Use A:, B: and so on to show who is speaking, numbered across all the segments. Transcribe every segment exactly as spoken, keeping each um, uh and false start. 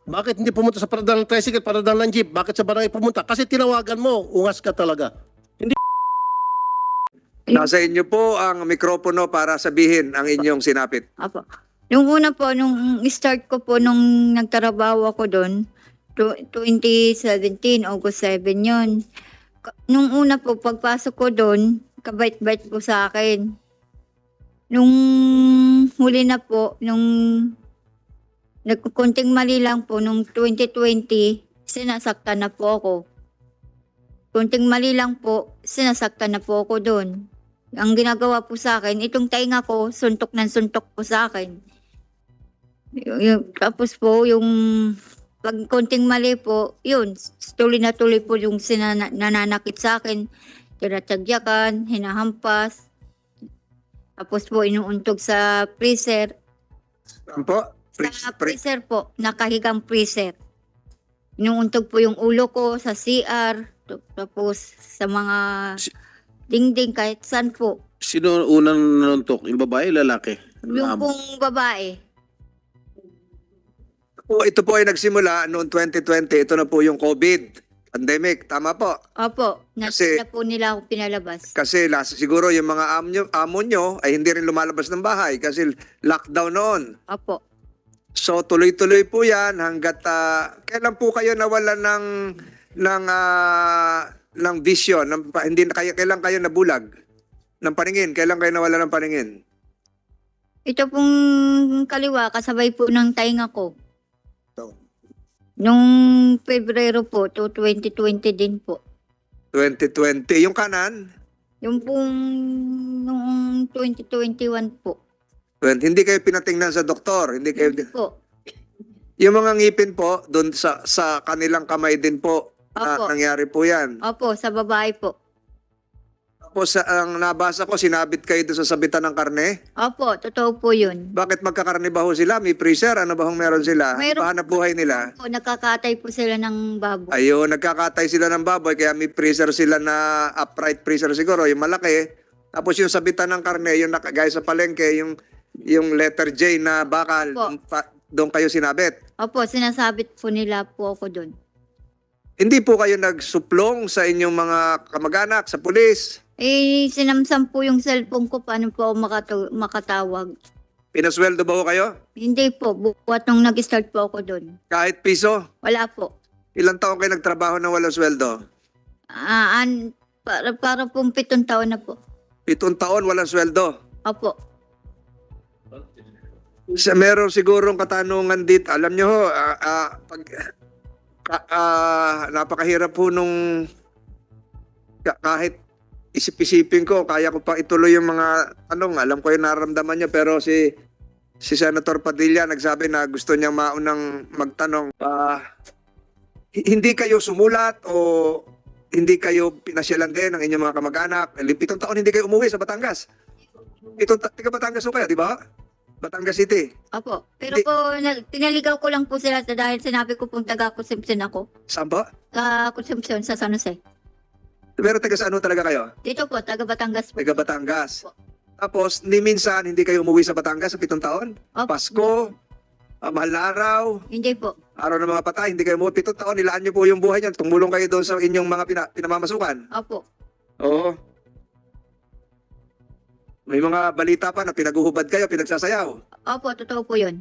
A: Bakit hindi pumunta sa paradal ng tricycle, paradal ng jeep? Bakit sa barangay pumunta? Kasi tinawagan mo, ungas ka talaga.
B: Nasa inyo po ang mikropono para sabihin ang inyong sinapit.
C: Apo. Nung una po, nung start ko po, nung nagtrabaho ako doon, tw- twenty seventeen, August seven yun. Ka- Nung una po, pagpasok ko doon, kabait-bait po sa akin. Nung huli na po, nung nagkunting mali lang po, nung twenty twenty, sinasaktan na po ako. Kunting mali lang po, sinasaktan na po ako doon. Ang ginagawa po sa akin, itong tainga ko, suntok ng suntok po sa akin. Y- yung- tapos po, yung pag konting mali po, yun, tuloy na tuloy po yung sinana, nananakit sa akin. Tinatagyakan, hinahampas. Tapos po, inuuntog sa freezer.
B: Ano po? Pre-
C: Sa
B: pre-
C: freezer po, nakahigang freezer. Inuuntog po yung ulo ko sa C R. Tapos sa mga dingding kahit saan po.
A: Sino unang nanuntok? Yung babae, lalaki?
C: Yung
A: Amo.
C: pong babae.
B: po, ito po ay nagsimula noong twenty twenty. Ito na po yung COVID pandemic. Tama po.
C: Opo, na,
B: Kasi-
C: na po nila ako pinalabas.
B: Kasi last, siguro yung mga amo nyo, amo nyo ay hindi rin lumalabas ng bahay kasi lockdown noon.
C: Opo.
B: So tuloy-tuloy po yan hanggat ah, kailan po kayo nawalan ng ng ah, ng vision, ng, pa- hindi na kayo kailan kayo nabulag ng paningin, kailan kayo nawalan ng paningin?
C: Ito pong kaliwa, kasabay po ng tainga ko.
B: So,
C: Nung Pebrero po, to twenty twenty din po.
B: twenty twenty, yung kanan,
C: Yung pong noong twenty twenty-one po.
B: twenty, hindi kayo pinatingnan sa doktor, hindi kayo
C: Po.
B: yung mga ngipin po doon sa sa kanilang kamay din po na
C: Opo.
B: nangyari po 'yan.
C: Opo, sa babae po.
B: Tapos sa ang nabasa ko sinabit kayo doon sa sabitan ng karne.
C: Opo, totoo po yun.
B: Bakit magkakarne ba ho sila? May freezer? Ano ba hong meron sila?
C: Mayroon-
B: Pahanap buhay nila?
C: Po, nakakatay po sila ng baboy.
B: Ayun, nagkakatay sila ng baboy kaya may freezer sila na upright freezer siguro, yung malaki. Tapos yung sabitan ng karne, yung nakagaya sa palengke, yung yung letter J na bakal,
C: Opo.
B: yung pa- doon kayo sinabit.
C: Opo, sinasabit po nila po ako doon.
B: Hindi po kayo nagsuplong sa inyong mga kamag-anak, sa pulis.
C: Eh, sinamsam po yung cellphone ko, paano po ako makatu- makatawag.
B: Pinasweldo ba ho kayo?
C: Hindi po, buwat nung nag-start po ako doon.
B: Kahit piso?
C: Wala po.
B: Ilang taon kayo nagtrabaho na walang sweldo?
C: Ah, an, para, para pong pitong taon na po.
B: Pitong taon walang sweldo.
C: Opo.
B: Sa meron sigurong katanungan dito. Alam nyo ho, ah, ah, pag, ka- ah, napakahirap po nung ka- kahit isip-isipin ko, kaya ko pa ituloy yung mga tanong. Alam ko yung nararamdaman niya, pero si si Senator Padilla nagsabi na gusto niyang maunang magtanong. Ah, hi- hindi kayo sumulat o hindi kayo pinasyalan din ng inyong mga kamag-anak? Pitong taon hindi kayo umuwi sa Batangas. Pitong ta- taga Batangas ho kayo, di ba? Batangas City.
C: Opo. Pero
B: Hindi-
C: po, na, pinaligaw ko lang po sila sa- dahil sinabi ko pong taga-consumption ako.
B: Saan ba?
C: Ka-consumption sa San Jose.
B: Pero taga saan ho talaga kayo?
C: Dito po, taga-Batangas po.
B: Taga Batangas. Tapos, ni minsan, hindi kayo umuwi sa Batangas sa pitong taon?
C: Opo.
B: Pasko, ah, mahal na araw,
C: Hindi po.
B: araw ng mga patay, hindi kayo umuwi. Pitong taon, nilaan niyo po yung buhay niyo. Tumulong kayo doon sa inyong mga pina, pinamamasukan.
C: Opo.
B: Oo. May mga balita pa na pinaguhubad kayo, pinagsasayaw.
C: Opo, totoo po yun.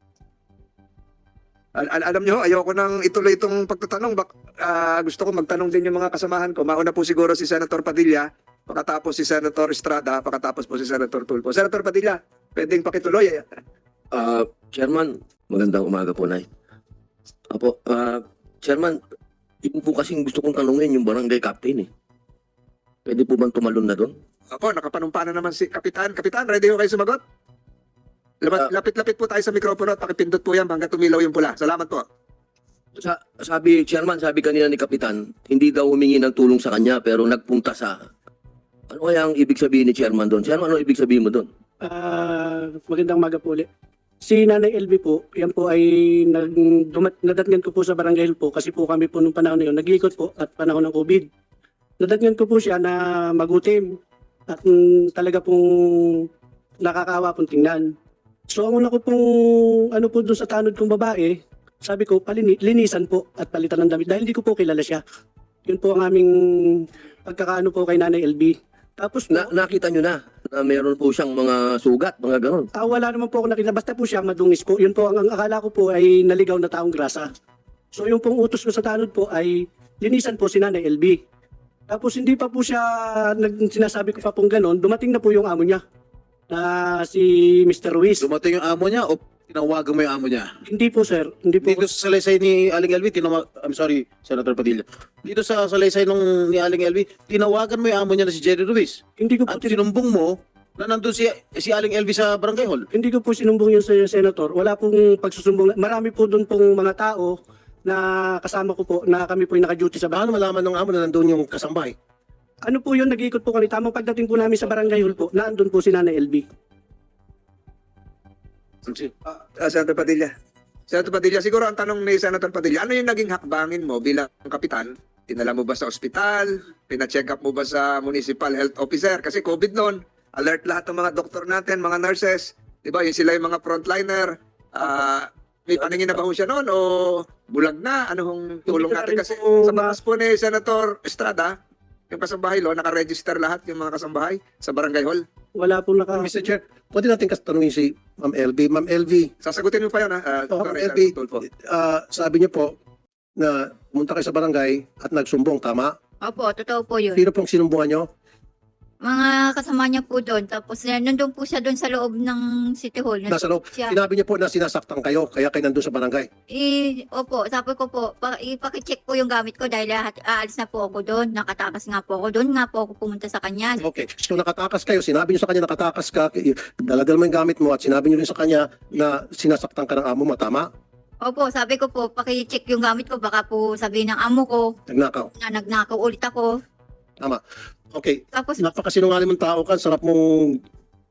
B: Al- al- alam niyo, ayoko nang ituloy itong pagtatanong. Bak ah, gusto ko magtanong din yung mga kasamahan ko. Mauna po siguro si Senator Padilla, pakatapos si Senator Estrada, pakatapos po si Senator Tulfo. Senator Padilla, pwedeng pakituloy. eh.
D: Ah, Chairman, magandang umaga po, Nay. Apo, ah, Chairman, yun po kasing gusto kong tanungin yung barangay captain eh. Pwede po bang tumalon na doon?
B: Ako, nakapanumpa na naman si Kapitan. Kapitan, ready ho kayo sumagot? Lamat-
D: Ah.
B: Lapit-lapit po tayo sa mikropono at pakipindot po yan hanggang tumilaw yung pula. Salamat po.
D: Sa, sabi, Chairman, sabi kanina ni Kapitan, hindi daw humingi ng tulong sa kanya pero nagpunta sa... Ano kaya ang ibig sabihin ni Chairman doon? Chairman, ano ibig sabihin mo doon?
E: Ah, magandang umaga po ulit. Si Nanay L B po, yan po ay nag, dumat, nadatnan ko po sa Barangay Hill po kasi po kami po nung panahon na yun, nag-iikot po at panahon ng COVID. Nadatnan ko po siya na magutim at mm, talaga pong nakakawa pong tingnan. So ang una ko pong ano po doon sa tanod kong babae, Sabi ko, palini, linisan po at palitan ng damit dahil hindi ko po kilala siya. Yun po ang aming pagkakaano po kay Nanay L B. Tapos po,
D: Na, nakita nyo na na meron po siyang mga sugat, mga ganon.
E: ah, wala naman po ako nakita. Basta po siya madungis po. Yun po, ang, ang akala ko po ay naligaw na taong grasa. So yung pong utos ko sa tanod po ay linisan po si Nanay L B. Tapos hindi pa po siya, nag, sinasabi ko pa pong ganon, dumating na po yung amo niya na si Mister Ruiz.
F: Dumating yung amo niya o tinawagan mo yung amo niya?
E: Hindi po sir, hindi po.
F: Dito sa salaysay ni Aling Elvi, tinawag, I'm sorry, Senator Padilla. Dito sa salaysay nung ni Aling Elvi, tinawagan mo yung amo niya na si Jerry Ruiz.
E: Hindi ko po
F: At
E: tin-
F: sinumbong mo na nandun si, si Aling Elvi sa barangay hall.
E: Hindi ko po sinumbong yun sa senator. Wala pong pagsusumbong. Marami po doon pong mga tao na kasama ko po na kami po yung naka-duty sa bahay.
A: Paano malaman ng amo na nandun yung kasambahay?
E: Ano po yun, nag-iikot po kami. Tamang pagdating po namin sa barangay hall po, naandun po si Nanay L B.
B: Ah, Senator Padilla. Senator Padilla, siguro ang tanong ni Senator Padilla, ano yung naging hakbangin mo bilang kapitan? Tinala mo ba sa ospital? Pina-check up mo ba sa municipal health officer? Kasi COVID noon, alert lahat ng mga doktor natin, mga nurses. Di ba? Yung sila yung mga frontliner. Ah, may paningin na ba ho siya noon o bulag na? Ano hong tulong
E: Hindi ko na
B: natin?
E: rin
B: Kasi
E: po
B: sa
E: ma-
B: batas po ni Senator Estrada, yung kasambahay lo, nakaregister lahat yung mga kasambahay sa barangay hall.
E: Wala po naka...
A: mister Chair, pwede natin katanungin si Ma'am L B. Ma'am L B,
B: Sasagutin mo pa yun, ha? Uh,
A: Oh, Ma'am L B, ah, sabi niyo po na pumunta kayo sa barangay at nagsumbong, tama?
C: Opo, totoo po yun.
A: Sino pong sinumbungan niyo?
C: Mga kasama niya po doon. Tapos eh, nandun po siya doon sa loob ng City Hall.
A: Nasa loob.
C: Siya.
A: Sinabi niyo po na sinasaktan kayo, kaya kayo nandun sa barangay.
C: Eh, opo, sabi ko po, pa, ipakicheck po yung gamit ko dahil lahat, aalis na po ako doon. Nakatakas nga po ako doon. Nga po ako pumunta sa kanya.
A: Okay. So nakatakas kayo, sinabi niyo sa kanya nakatakas ka, dalagal mo yung gamit mo at sinabi niyo rin sa kanya na sinasaktan ka ng amo mo, tama?
C: Opo, sabi ko po, pakicheck yung gamit ko. Baka po sabihin ng amo ko
A: Nagnakaw.
C: na nagnakaw ulit ako.
A: Tama. Okay.
C: Tapos,
A: Napakasinungaling mong tao ka, sarap mong...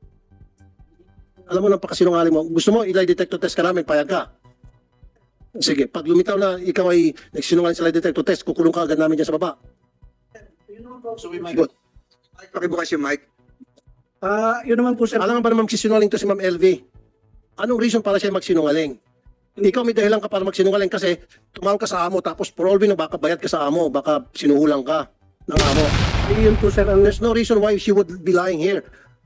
A: Alam mo, napakasinungaling mo. Gusto mo, ilay detector test ka namin, payag ka. Sige, pag lumitaw na ikaw ay nagsinungaling sa lie detector test, kukulong ka agad namin dyan sa baba.
F: So we might
A: Good.
B: Mike, pakibukas yung mic.
E: Ah, yun naman po sir.
A: Alam nga ba na magsisinungaling to si Ma'am L V? Anong reason para siya magsinungaling? Ikaw may dahilan ka para magsinungaling kasi tumawag ka sa amo tapos for all we know, baka bayad ka sa amo, baka sinuhulang ka ng amo.
E: Eh, yun po sir ang...
A: There's no reason why she would be lying here.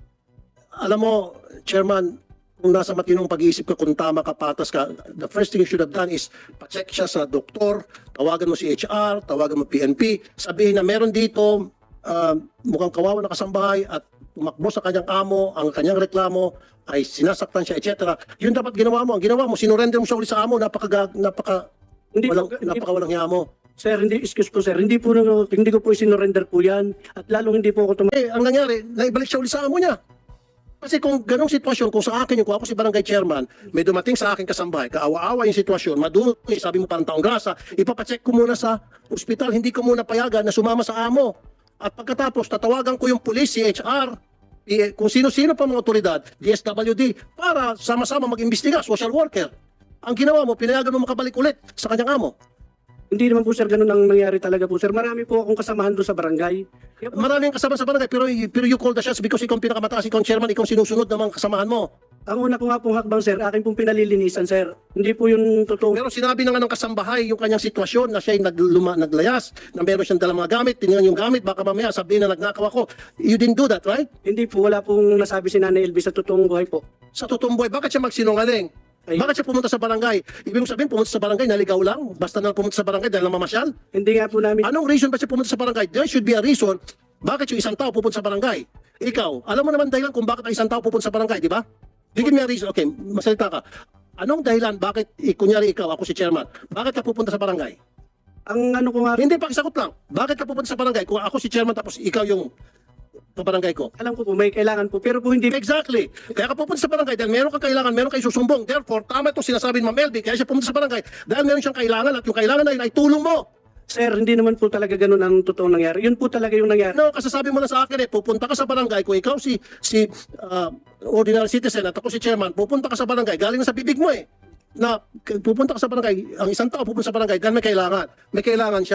A: Alam mo, Chairman, kung nasa matinong pag-iisip ka, kung tama ka, patas ka, the first thing you should have done is pa-check siya sa doktor, tawagan mo si H R, tawagan mo P N P, sabihin na meron dito, uh, mukhang kawawa na kasambahay at tumakbo sa kanyang amo, ang kanyang reklamo ay sinasaktan siya, et cetera. Yun dapat ginawa mo. Ang ginawa mo, sinurrender mo siya ulit sa amo, napaka, napaka,
E: Hindi po,
A: walang,
E: hindi
A: napaka walang hiya mo.
E: Sir, hindi, excuse po sir, hindi po, hindi ko po isinorender po yan. At lalong hindi po ako tum-
A: Eh, ang nangyari, naibalik siya ulit sa amo niya. Kasi kung ganong sitwasyon, kung sa akin yung kung ako si barangay chairman, may dumating sa akin kasambahay, kaawa-awa yung sitwasyon, madumi, sabi mo parang taong grasa, ipapacheck ko muna sa ospital, hindi ko muna payagan na sumama sa amo. At pagkatapos, tatawagan ko yung police, si H R, eh, kung sino-sino pa mga otoridad, D S W D, para sama-sama mag-imbestiga, social worker. Ang ginawa mo, pinayagan mo makabalik ulit sa kanyang amo.
E: Hindi naman po sir, ganun ang nangyari talaga po sir. Marami po akong kasamahan doon sa barangay. Kaya po,
A: Maraming kasama sa barangay, pero, pero you call the shots because ikaw ang pinakamataas, ikaw ang chairman, ikaw ang sinusunod ng mga kasamahan mo.
E: ang una ko nga pong hakbang sir, akin pong pinalilinisan sir. Hindi po yung totoo.
A: Pero sinabi na nga ng kasambahay yung kanyang sitwasyon na siya ay nagluma, naglayas, na meron siyang dalang mga gamit, tinignan yung gamit, baka mamaya sabihin na nagnakaw ako. You didn't do that, right?
E: Hindi po, wala pong nasabi si Nanay Elvis sa totoong buhay po.
A: Sa totoong buhay, bakit siya magsinungaling?
E: Ay,
A: Bakit siya pumunta sa barangay? Ibig sabihin, pumunta sa barangay, naligaw lang? Basta na pumunta sa barangay dahil namamasyal?
E: hindi nga po namin,
A: Anong reason ba siya pumunta sa barangay? There should be a reason bakit yung isang tao pupunta sa barangay. Ikaw, alam mo naman dahilan kung bakit ang isang tao pupunta sa barangay, di ba? Give me a reason. Okay, masalita ka. Anong dahilan bakit, eh, kunyari ikaw, ako si chairman, bakit ka pupunta sa barangay?
E: ang ano ko nga,
A: Hindi, pakisagot lang. Bakit ka pupunta sa barangay? Kung ako si chairman tapos ikaw yung barangay ko.
E: alam ko po, may kailangan po. Pero po hindi,
A: Exactly. Kaya ka pupunta sa barangay dahil meron kang kailangan, meron kayo susumbong. Therefore, tama itong sinasabi ni Ma'am Elby, kaya siya pumunta sa barangay dahil meron siyang kailangan at yung kailangan na yun ay tulong mo.
E: sir, hindi naman po talaga ganun ang totoong nangyari. Yun po talaga yung nangyari.
A: No, kasasabi mo na sa akin eh, pupunta ka sa barangay, kung ikaw si si uh, ordinary citizen at ako si chairman, pupunta ka sa barangay, galing na sa bibig mo eh. Na k- pupunta ka sa barangay, ang isang tao pupunta sa barangay dahil may kailangan. May kailangan siya.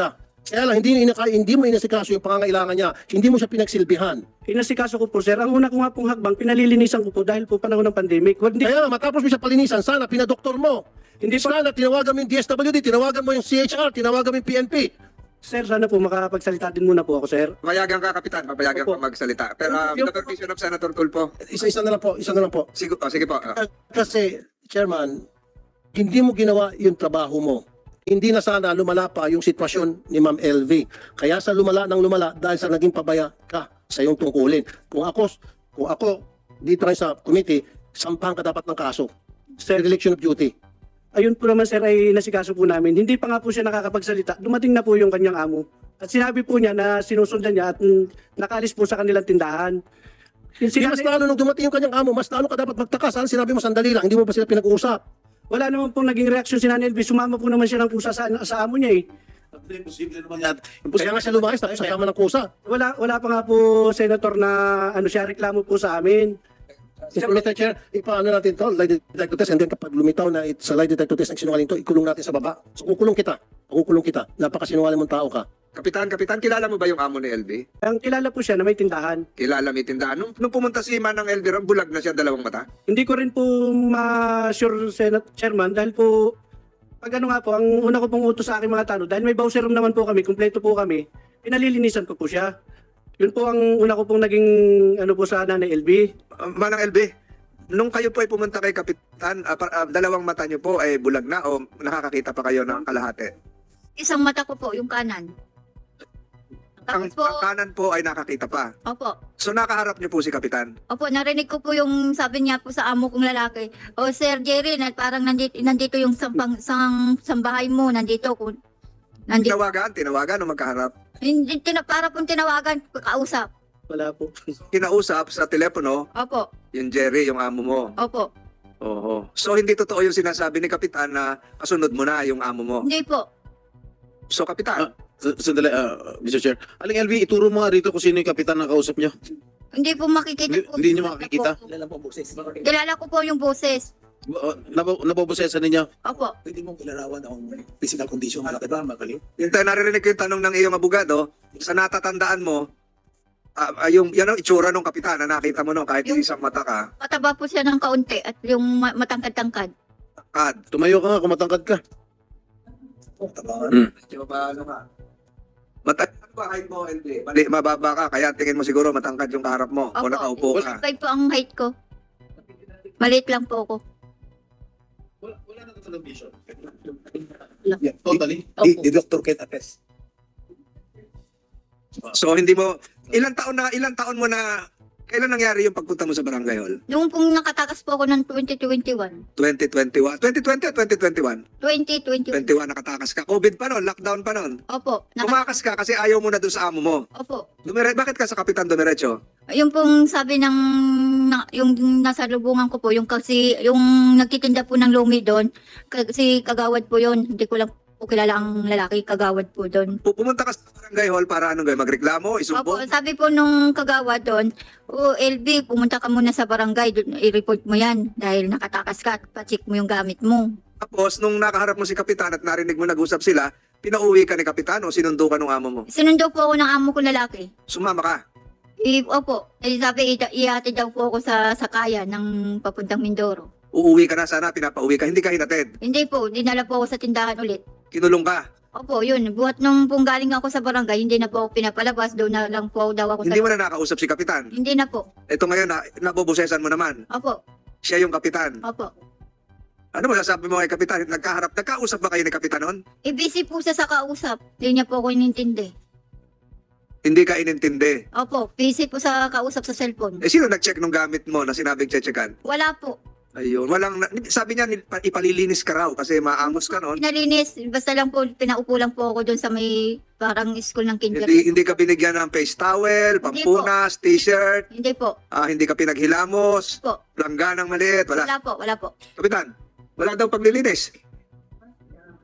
A: Kaya lang, hindi, inaka, hindi mo inasikaso yung pangangailangan niya. Hindi mo siya pinagsilbihan.
E: Inasikaso ko po, sir. Ang una ko nga pong hakbang, pinalilinisan ko po dahil po panahon ng pandemic. Hindi,
A: Kaya matapos mo siya palinisan, sana pinadoktor mo.
E: hindi po,
A: Sana tinawagan mo yung D S W D, tinawagan mo yung C H R, tinawagan mo yung P N P.
E: sir, sana po makakapagsalita din muna po ako, sir.
B: Papayagan ka, Kapitan. Papayagan
E: Opo.
B: ka magsalita. Pero uh,
A: Yung-
B: with the permission of Senator Tulfo.
A: Isa-isa na lang po, isa na lang po.
B: Sige, oh, sige po. Ah.
A: Kasi, Chairman, hindi mo ginawa yung trabaho mo. Hindi na sana lumala pa yung sitwasyon ni Ma'am L V. Kaya sa lumala ng lumala dahil sa naging pabaya ka sa iyong tungkulin. Kung ako, kung ako dito rin sa committee, sampahan ka dapat ng kaso.
E: Sir,
A: Dereliction of duty.
E: ayun po naman, sir, ay nasikaso po namin. Hindi pa nga po siya nakakapagsalita. Dumating na po yung kanyang amo. At sinabi po niya na sinusundan niya at mm, nakaalis po sa kanilang tindahan. Yung
A: Di mas
E: sinabi,
A: lalo nung dumating yung kanyang amo, mas lalo ka dapat magtaka. Sana sinabi mo sandali lang, hindi mo ba sila pinag-uusap?
E: wala naman pong naging reaksyon si Nanay Elvis. Sumama po naman siya ng pusa sa, sa amo niya eh.
F: Imposible naman yan.
A: Kaya nga siya lumayas, tapos kasama ng kusa.
E: Wala, wala pa nga po, Senator, na ano siya, reklamo po sa amin.
A: Mister Mister Chair, ipaano natin to, lie detector test, and then kapag lumitaw na it, sa lie detector test ng sinungaling to, ikulong natin sa baba. So kukulong kita, kukulong kita. Napakasinungaling mong tao ka.
B: Kapitan, Kapitan, kilala mo ba yung amo ni L V?
E: Ang kilala po siya na may tindahan.
B: Kilala, may tindahan. Nung, nung pumunta si Manang L V, ron, bulag na siya, dalawang mata.
E: Hindi ko rin po ma-sure, Senate Chairman, dahil po, pag ano nga po, ang una ko pong utos sa aking mga tanong, dahil may bowser room naman po kami, kumpleto po kami, pinalilinisan ko po siya. Yun po ang una ko pong naging ano po sa Nanay L B.
B: Uh, Manang L V, nung kayo po ay pumunta kay Kapitan, ah, par- ah, dalawang mata niyo po ay bulag na o nakakakita pa kayo ng kalahati?
C: Isang mata ko po, yung kanan.
B: Ang,
C: Tapos po,
B: ang kanan po ay nakakita pa.
C: opo,
B: So nakaharap niyo po si Kapitan.
C: opo, narinig ko po yung sabi niya po sa amo kong lalaki. O Sir Jerry, na parang nandito, nandito yung sampang, sang, sambahay mo, nandito. Kung, nandito.
B: Tinawagan, tinawagan o magkaharap.
C: Hindi, tina, para pong tinawagan, kausap.
E: Wala po.
B: Kinausap sa telepono,
C: Opo,
B: yung Jerry, yung amo mo.
C: opo.
B: Oo. So hindi totoo yung sinasabi ni Kapitan na kasunod mo na yung amo mo.
C: Hindi po.
B: So Kapitan,
F: S- Sandali, ah, Mister Chair. Aling L V, ituro mo nga rito kung sino yung kapitan na kausap niyo.
C: Hindi po makikita
F: Hindi-
C: po.
F: hindi niyo makikita?
C: Kilala ko po yung boses.
F: Uh, nabo, nabobosesan ninyo.
C: Opo.
G: Pwede mong ilarawan ang physical condition ng diba? Magaling.
B: yung tayo naririnig ko yung tanong ng iyong abogado, sa natatandaan mo, ah, ah, yung yan ang itsura ng Kapitan na nakita mo no, kahit
C: Yung-
B: isang mata ka.
C: Mataba po siya ng kaunti at yung ma- matangkad-tangkad.
B: Kad,
F: Tumayo ka nga kung matangkad ka.
G: Tabangan.
F: Hmm.
B: di ba ano ka? Mata ano ba height mo, L V? Mali, mababa ka, kaya tingin mo siguro matangkad yung kaharap mo o
C: Opo.
B: nakaupo ka.
C: Kahit po ang height ko. Maliit lang po ako.
F: Wala, wala na television.
G: Yeah, totally.
C: Opo.
G: The, the doctor can attest.
B: So hindi mo, ilang taon na, ilang taon mo na, kailan nangyari yung pagpunta mo sa Barangay Hall?
C: Noong pong nakatakas po ako ng twenty twenty-one.
B: twenty twenty-one? twenty twenty o twenty twenty-one?
C: twenty twenty-one.
B: twenty-one nakatakas ka. COVID pa noon, lockdown pa noon.
C: Opo. Naka-
B: Tumakas ka kasi ayaw mo na doon sa amo mo.
C: Opo.
B: Dumire, bakit ka sa Kapitan Dumiretso?
C: Yung pong sabi ng na, yung nasa lubungan ko po, yung kasi yung nagtitinda po ng lumi doon, kasi kagawad po yon. Hindi ko lang po kilala ang lalaki, kagawad po doon.
B: Pu- Pumunta ka sa Barangay Hall para anong gawin? Magreklamo?
C: Opo,
B: Isumbong?
C: sabi po nung kagawad doon, o L B, pumunta ka muna sa barangay, doon, i-report mo yan dahil nakatakas ka at pa-check mo yung gamit mo.
B: Tapos, nung nakaharap mo si Kapitan at narinig mo nag-usap sila, pinauwi ka ni Kapitan o sinundo ka ng amo mo?
C: Sinundo po ako ng amo ko lalaki.
B: Sumama ka.
C: I, opo, eh, sabi, i- ihatid daw po ako sa sakaya ng papuntang Mindoro.
B: Uuwi ka na sana, pinapauwi ka. Hindi ka hinatid.
C: Hindi po, dinala po ako sa tindahan ulit.
B: Kinulong ka.
C: Opo, yun. Buhat nung pong galing ako sa barangay, hindi na po ako pinapalabas. Doon na lang po daw ako
B: Hindi
C: sa...
B: mo na nakausap si Kapitan.
C: Hindi na po.
B: Ito ngayon, na, nabobosesan mo naman.
C: Opo,
B: Siya yung Kapitan.
C: opo.
B: Ano mo sasabi mo kay Kapitan? Nagkaharap, nagkausap ba kayo ni Kapitan noon?
C: E busy po siya sa kausap. Hindi niya po ako inintindi.
B: Hindi ka inintindi.
C: Opo, busy po sa kausap sa cellphone.
B: Eh, sino nag-check nung gamit mo na sinabing chechekan?
C: Wala po.
B: Ayun. Walang, sabi niya, nil- ipalilinis ka raw kasi maamos ka noon.
C: Pinalinis, basta lang po, pinaupo lang po ako doon sa may parang school ng kinder.
B: Hindi, hindi ka binigyan ng face towel, pampunas, t-shirt,
C: Hindi po.
B: ah, hindi ka pinaghilamos,
C: Po.
B: langganang maliit, wala.
C: Wala po, wala po.
B: Kapitan, wala daw paglilinis.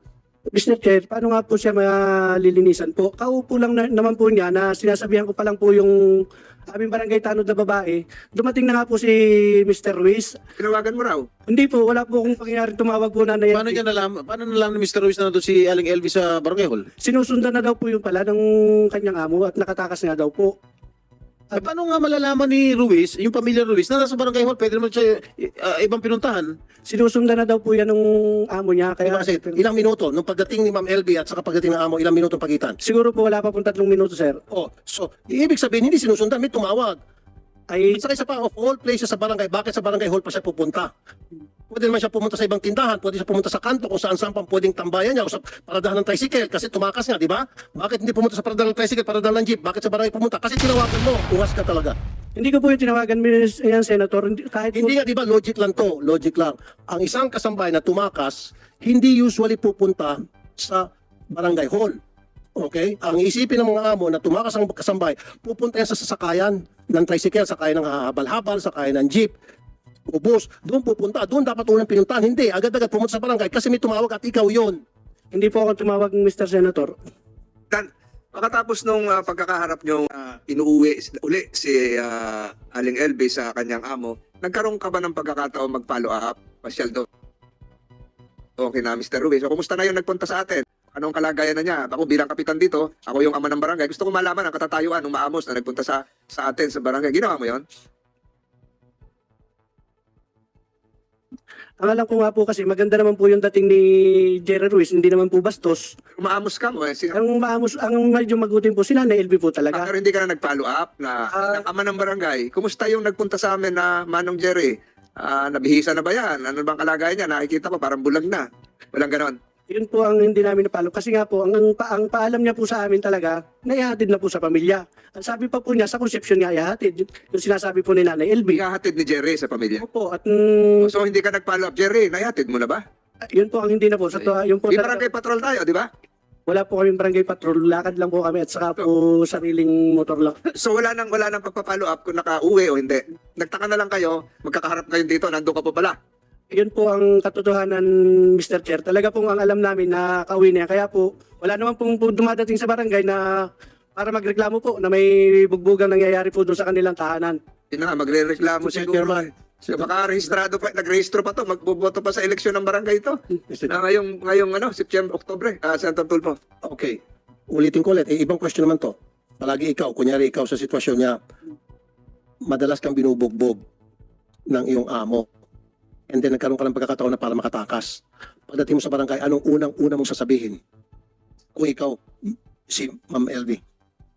E: mister Chair, paano nga po siya malilinisan po? Kaupo lang na, naman po niya na sinasabihan ko pa lang po yung aming barangay tanod na babae. Dumating na nga po si mister Ruiz.
B: Tinawagan mo raw.
E: Hindi po, wala po akong pangyayari tumawag po na
F: Paano niya nalaman, paano nalaman ni mister Ruiz na nandun si Aling L V sa Barangay Hall?
E: Sinusundan na daw po yung pala ng kanyang amo at nakatakas nga daw po.
F: Eh, paano nga malalaman ni Ruiz, yung pamilya Ruiz, na nasa Barangay Hall, pwede naman siya uh, ibang pinuntahan?
E: Sinusundan na daw po yan ng amo niya.
A: Kaya
E: Kaya
A: kasi ilang minuto, nung pagdating ni Ma'am L B at saka pagdating ng amo, ilang minuto pagitan?
E: siguro po wala pa pong tatlong minuto, sir.
A: Oh, so, ibig sabihin, hindi sinusundan, may tumawag.
E: Ay,
A: At saka isa pa, of all places sa barangay, bakit sa Barangay Hall pa siya pupunta? Pwede naman siya pumunta sa ibang tindahan, pwede siya pumunta sa kanto kung saan saan pang pwedeng tambayan niya o sa paradahan ng tricycle kasi tumakas nga, di ba? Bakit hindi pumunta sa paradahan ng tricycle, paradahan ng jeep? Bakit sa barangay pumunta? Kasi tinawagan mo, ungas ka talaga.
E: hindi ko po yung tinawagan, Miss yan, Senator. Hindi- Kahit po,
A: Hindi nga, di ba, logic lang to, logic lang. Ang isang kasambay na tumakas, hindi usually pupunta sa Barangay Hall. Okay? Ang isipin ng mga amo na tumakas ang kasambay, pupunta yan sa sasakayan ng tricycle, sakayan ng habal-habal, sakayan ng jeep, o bus, doon pupunta, doon dapat unang pinuntahan. Hindi, agad-agad pumunta sa barangay kasi may tumawag at ikaw yon.
E: hindi po ako tumawag, mister Senator.
B: Dan, pagkatapos nung ah, pagkakaharap nyo, ah, inuuwi uli si ah, Aling L B sa kanyang amo, nagkaroon ka ba ng pagkakataon mag-follow up? Pasyal doon. Okay na, mister Ruiz. So, kumusta na yung nagpunta sa atin? Anong kalagayan na niya? Ako bilang kapitan dito, ako yung ama ng barangay. Gusto ko malaman ang katatayuan ng maamos na nagpunta sa sa atin sa barangay. Ginawa mo yon?
E: Ang alam ko nga po kasi maganda naman po yung dating ni Jerry Ruiz, hindi naman po bastos.
B: Umaamos ka mo eh. Si,
E: Ang maamos, ang medyo magutin po sila na L B po
B: Ah,
E: talaga.
B: pero hindi ka na nag-follow up na
E: Ah.
B: ng ama ng barangay. Kumusta yung nagpunta sa amin na Manong Jerry? Ah, nabihisa na ba yan? Ano bang kalagayan niya? Nakikita ko parang bulag na. Walang ganon.
E: Yun po ang hindi namin napalo. Kasi nga po, ang, ang, pa, ang paalam niya po sa amin talaga, naihatid na po sa pamilya. Ang sabi pa po niya, sa conception niya ihatid. Yung, yung sinasabi po ni Nanay L B.
B: Ikahatid ni Jerry sa pamilya.
E: Opo, at mm,
B: So hindi ka nag-follow up, Jerry. Nahatid mo na ba?
E: yun po ang hindi na po. Sa to, yun po
B: Di
E: talaga,
B: barangay patrol tayo, di ba?
E: wala po kaming barangay patrol. Lakad lang po kami at saka po sariling motor lang.
B: So wala nang wala nang pagpa-follow up kung naka-uwi o hindi. Nagtaka na lang kayo, magkakaharap kayo dito, nandoon ka pa pala.
E: Yun po ang katotohanan, mister Chair. Talaga pong ang alam namin na kauwi niya. Kaya po, wala naman pong po dumadating sa barangay na para magreklamo po na may bugbugang nangyayari po doon sa kanilang tahanan.
B: Yun na nga, magre-reklamo
A: Mister
B: siguro.
A: Chairman.
B: So, baka rehistrado pa, nagrehistro pa to, magboboto pa sa eleksyon ng barangay ito.
A: Mister
B: Na ngayong, ngayong ano, September, Oktubre, ah, Senator Tulfo.
A: Okay. Ulitin ko ulit. Eh, ibang question naman to. Palagi ikaw, kunyari ikaw sa sitwasyon niya, madalas kang binubugbog ng iyong amo. And then nagkaroon ka ng pagkakataon na para makatakas. Pagdating mo sa barangay, anong unang-una mong sasabihin? Kung ikaw, si Ma'am L V.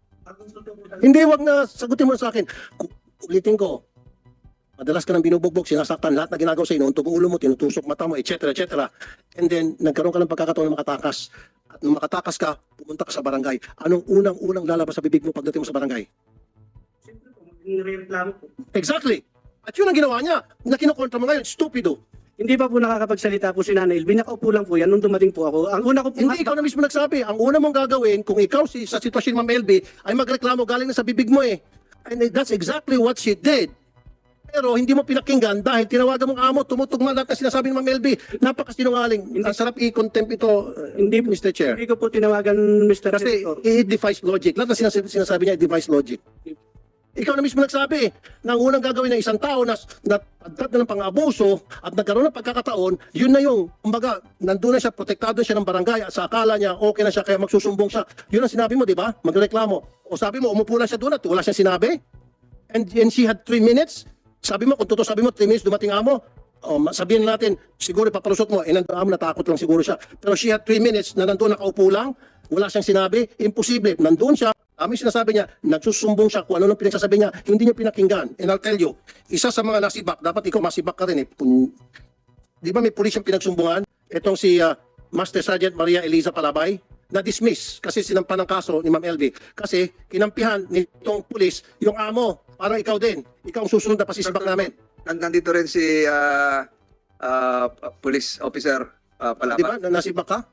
A: Hindi, wag na sagutin mo na sa akin. Ku- Ulitin ko. Madalas ka nang binubugbog, sinasaktan lahat na ginagawa sa iyo, inuuntog ang ulo mo, tinutusok mata mo, et cetera, et cetera. And then, nagkaroon ka ng pagkakataon na makatakas. At nung makatakas ka, pumunta ka sa barangay. Anong unang-unang lalabas sa bibig mo pagdating mo sa barangay?
E: Siyempre po, magreklamo po.
A: Exactly. At yun ang ginawa niya. Na kinukontra mo ngayon, stupido.
E: Hindi pa po nakakapagsalita po si Nanay Elvin. Nakaupo lang po yan nung dumating po ako. Ang una ko po,
A: Hindi ikaw na mismo nagsabi. Ang una mong gagawin, kung ikaw si, sa sitwasyon ni Ma'am L B, ay magreklamo galing na sa bibig mo eh. And that's exactly what she did. Pero hindi mo pinakinggan dahil tinawagan mong amo, tumutugma lahat na sinasabi ni Ma'am L B. Napakasinungaling. Ang sarap i-contempt ito, uh,
E: Hindi po,
A: Mister Chair.
E: hindi ko po tinawagan, mister
A: Kasi
E: Senator.
A: it defies logic. Lahat na sinasabi, sinasabi niya, it defies logic. Ikaw na mismo nagsabi na ang unang gagawin ng isang tao na napadtat na ng pang-abuso at nagkaroon ng pagkakataon, yun na yung, kumbaga, nandun na siya, protektado siya ng barangay at sa akala niya, okay na siya, kaya magsusumbong siya. Yun ang sinabi mo, di ba? Magreklamo. O sabi mo, umupo lang siya doon at wala siyang sinabi? And, and she had three minutes? Sabi mo, kung totoo sabi mo, three minutes dumating amo, o sabihin natin, siguro papalusot mo, eh nandun amo, natakot lang siguro siya. Pero she had three minutes na nandun nakaupo lang, wala siyang sinabi, imposible. Nandun siya, kami sinasabi niya, nagsusumbong siya kung ano nang pinagsasabi niya, hindi niya pinakinggan. And I'll tell you, isa sa mga nasibak, dapat ikaw masibak ka rin eh. Kung- Di ba may pulis yung pinagsumbungan? Itong si ah, Master Sergeant Maria Eliza Palabay, na-dismiss kasi sinampan ng kaso ni Ma'am L B. Kasi kinampihan nitong pulis yung amo, parang ikaw din. Ikaw ang susunod na pasisibak namin.
B: Nan- Nandito rin si ah, ah, police officer ah,
A: Di ba?
B: Palapa.
A: Na nasibak ka?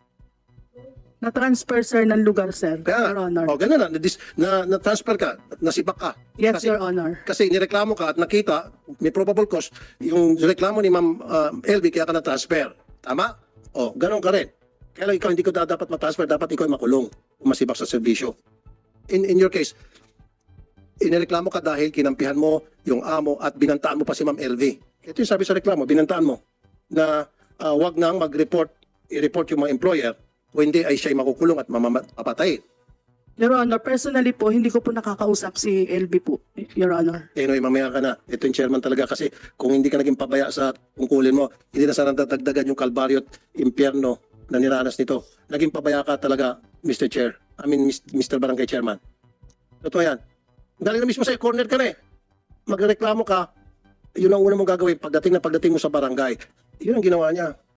H: Na-transfer, sir, ng lugar, sir.
A: Kaya,
H: Your Honor.
A: o ganun na, na, na, na-transfer ka, nasibak ka.
H: Yes,
A: kasi-
H: Your Honor.
A: Kasi nireklamo ka at nakita, may probable cause, yung reklamo ni Ma'am uh, L B kaya ka na-transfer. Tama? O, ganun ka rin. Kaya lang ikaw hindi ko da- dapat matransfer, dapat ikaw ay makulong kung masibak sa serbisyo. In, in your case, inireklamo ka dahil kinampihan mo yung amo at binantaan mo pa si Ma'am L V. Ito yung sabi sa reklamo, binantaan mo na ah, wag nang mag-report, i-report yung mga employer kung hindi ay siya'y makukulong at mamapatay.
H: Your Honor, personally po, hindi ko po nakakausap si L B po, Your Honor.
A: Anyway, mamaya ka na. Ito yung chairman talaga kasi kung hindi ka naging pabaya sa tungkulin mo, hindi na sana dadagdagan yung kalbaryo at impyerno na niranas nito. Naging pabaya ka talaga, Mister Chair. I mean, Mister Barangay Chairman. Totoo yan. Dahil na mismo sa corner ka na eh. Magreklamo ka, yun ang una mong gagawin pagdating na pagdating mo sa barangay. Yun ang ginawa niya.